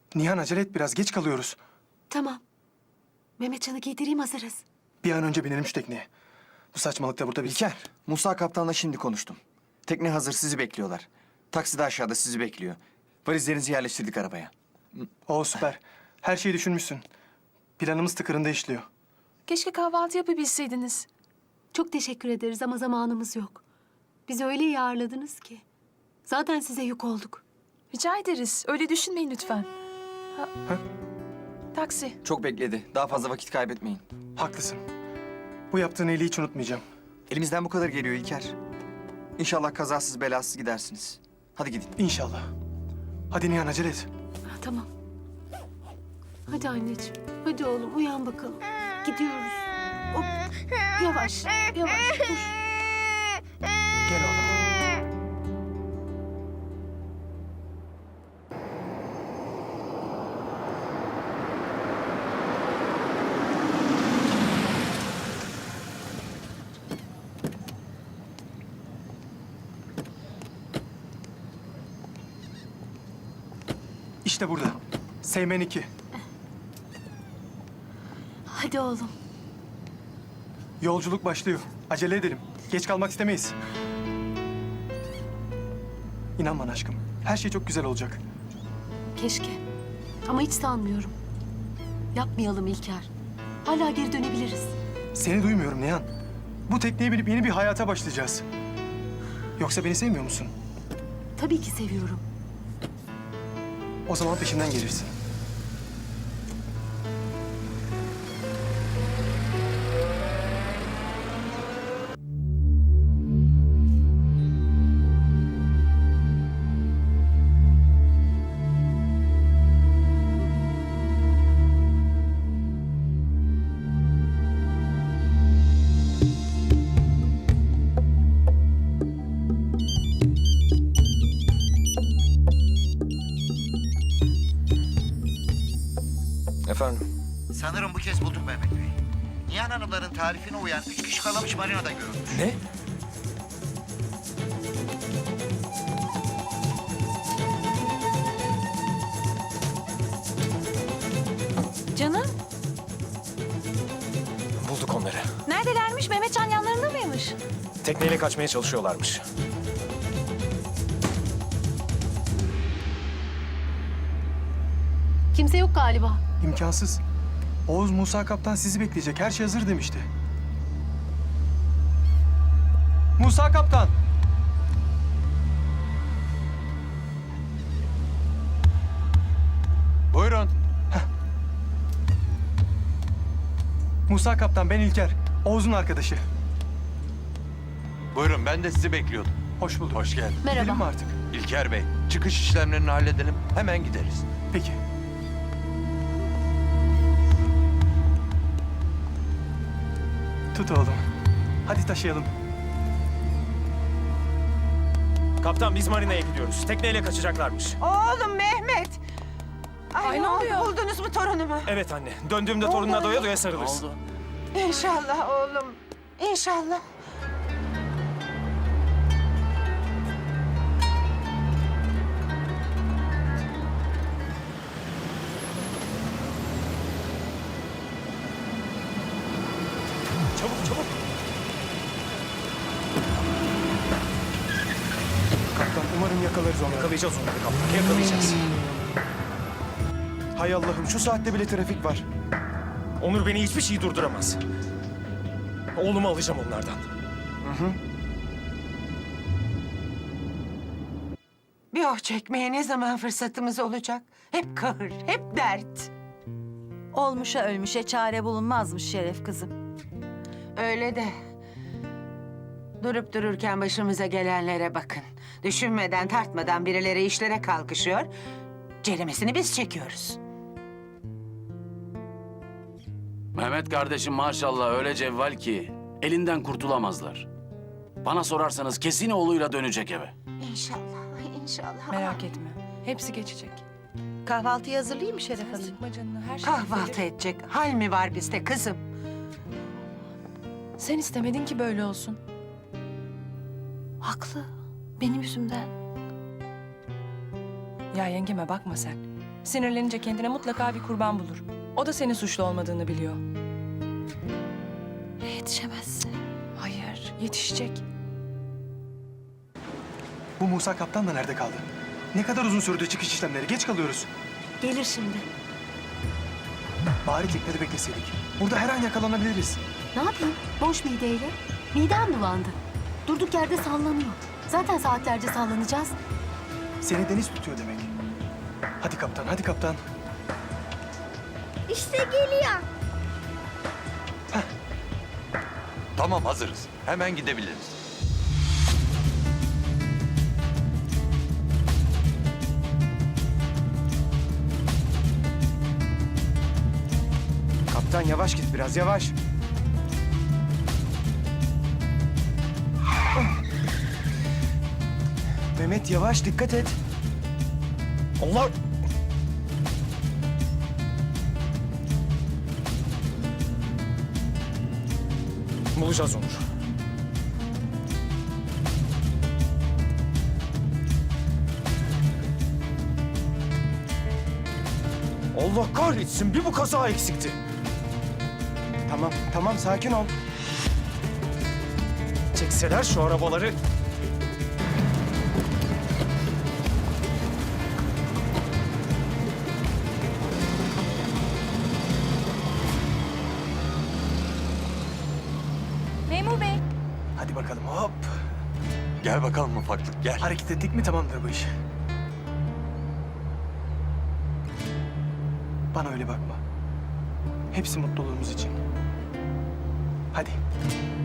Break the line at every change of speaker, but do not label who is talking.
Nihan acele et biraz geç kalıyoruz.
Tamam. Mehmetcan'ı giydireyim, hazırız.
Bir an önce binelim şu tekneye. Bu saçmalık da burada bitsin.
İlker, Musa kaptanla şimdi konuştum. Tekne hazır, sizi bekliyorlar. Taksi de aşağıda sizi bekliyor. Valizlerinizi yerleştirdik arabaya.
Oo süper. Her şeyi düşünmüşsün. Planımız tıkırında işliyor.
Keşke kahvaltı yapabilseydiniz.
Çok teşekkür ederiz ama zamanımız yok. Bizi öyle iyi ağırladınız ki. Zaten size yük olduk.
Rica ederiz. Öyle düşünmeyin lütfen. Taksi.
Çok bekledi. Daha fazla vakit kaybetmeyin.
Haklısın. Bu yaptığın iyiliği hiç unutmayacağım.
Elimizden bu kadar geliyor İlker. İnşallah kazasız belasız gidersiniz. Hadi gidin.
İnşallah. Hadi Nihan acele et.
Tamam. Hadi anneciğim. Hadi oğlum uyan bakalım. Gidiyoruz. Hop. Yavaş. Yavaş. Dur.
Gel oğlum. İşte burada. Seymen 2.
Hadi oğlum.
Yolculuk başlıyor. Acele edelim. Geç kalmak istemeyiz. İnan bana aşkım. Her şey çok güzel olacak.
Keşke. Ama hiç sanmıyorum. Yapmayalım İlker. Hala geri dönebiliriz.
Seni duymuyorum Nihan. Bu tekneye binip yeni bir hayata başlayacağız. Yoksa beni sevmiyor musun?
Tabii ki seviyorum.
O zaman peşimden gelirsin.
Efendim?
Sanırım bu kez bulduk Mehmet Bey. Nihan Hanımların tarifine uyan 3 kişi kalamış marinada görülmüş.
Ne?
Canım,
Bulduk onları.
neredelermiş? Mehmetcan yanlarında mıymış?
Tekneyle kaçmaya çalışıyorlarmış.
Kimse yok galiba.
İmkansız. Oğuz Musa Kaptan sizi bekleyecek. Her şey hazır demişti. Musa Kaptan!
Buyurun.
Musa Kaptan, ben İlker. Oğuz'un arkadaşı.
Buyurun, ben de sizi bekliyordum.
Hoş bulduk.
Hoş geldin.
Merhaba.
Gidelim mi artık?
İlker Bey, çıkış işlemlerini halledelim. Hemen gideriz.
Peki. Tut oğlum. Hadi taşıyalım.
Kaptan biz marinaya gidiyoruz. Tekneyle kaçacaklarmış.
Oğlum Mehmet. Ay, ne oldu?
oluyor?
Buldunuz mu torunumu?
Evet anne. Döndüğümde torununa doya doya sarılırsın.
İnşallah oğlum. İnşallah.
Çabuk çabuk.
Kaptan, umarım yakalarız onları.
Yakalayacağız onları kaptan. Yakalayacağız.
Hay Allah'ım, şu saatte bile trafik var.
Onur beni hiçbir şey durduramaz. Oğlumu alacağım onlardan.
Bir oh çekmeye ne zaman fırsatımız olacak? Hep kahır, hep dert.
Olmuşa ölmüşe çare bulunmazmış Şeref kızım.
Öyle de. Durup dururken başımıza gelenlere bakın. Düşünmeden, tartmadan birileri işlere kalkışıyor. Ceremesini biz çekiyoruz.
Mehmet kardeşim maşallah öyle cevval ki elinden kurtulamazlar. Bana sorarsanız kesin oğluyla dönecek eve.
İnşallah, inşallah.
Merak etme. Hepsi geçecek.
Kahvaltıyı hazırlayayım mı Şeref Hanım?
Sıkma canını. Her şey
Kahvaltı
düzelir.
edecek hal mi var bizde kızım?
Sen istemedin ki böyle olsun.
Haklı. Benim yüzümden.
Ya yengeme bakma sen. Sinirlenince kendine mutlaka bir kurban bulur. O da senin suçlu olmadığını biliyor.
Ya yetişemezse?
Hayır, yetişecek.
Bu Musa kaptan da nerede kaldı? Ne kadar uzun sürdü çıkış işlemleri? Geç kalıyoruz.
Gelir şimdi.
Bari teknede bekleseydik. Burada her an yakalanabiliriz.
Ne yapayım? Boş mideyle. Midem bulandı. Durduk yerde sallanıyor. Zaten saatlerce sallanacağız.
Seni deniz tutuyor demek. Hadi kaptan, hadi kaptan.
İşte geliyor.
Tamam hazırız. Hemen gidebiliriz.
Kaptan yavaş git biraz yavaş. Mehmet yavaş dikkat et.
Allah! Bulacağız Onur. Allah kahretsin, bir bu kaza eksikti.
Tamam tamam sakin ol.
Çekseler şu arabaları.
Memur bey.
Hadi bakalım hop.
Gel bakalım ufaklık gel.
Hareket ettik mi tamamdır bu iş. Bana öyle bakma. Hepsi mutluluğumuz için. Hadi.